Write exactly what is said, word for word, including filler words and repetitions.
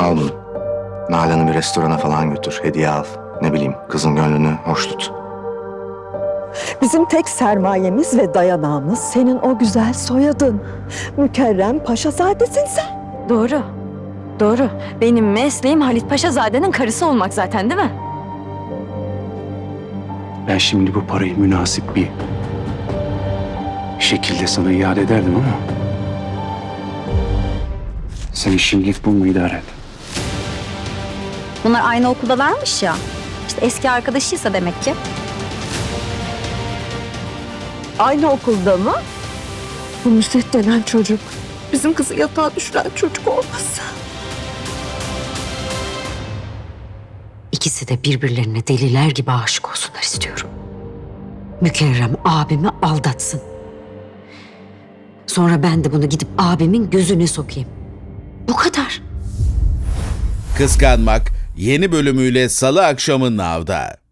Al bunu. Nalan'ı bir restorana falan götür. Hediye al. Ne bileyim kızın gönlünü hoş tut. Bizim tek sermayemiz ve dayanağımız senin o güzel soyadın. Mükerrem Paşazadesin sen. Doğru. Doğru. Benim mesleğim Halit Paşazade'nin karısı olmak zaten, değil mi? Ben şimdi bu parayı münasip bir şekilde sana iade ederdim ama sen şimdilik bununla idare et. Bunlar aynı okuldalarmış ya. İşte eski arkadaşıysa demek ki. Aynı okulda mı? Bu Nusret denen çocuk. Bizim kızı yatağa düşüren çocuk olmasa. İkisi de birbirlerine deliler gibi aşık olsunlar istiyorum. Mükerrem abimi aldatsın. Sonra ben de bunu gidip abimin gözüne sokayım. Bu kadar. Kıskanmak yeni bölümüyle Salı akşamı Nav'da.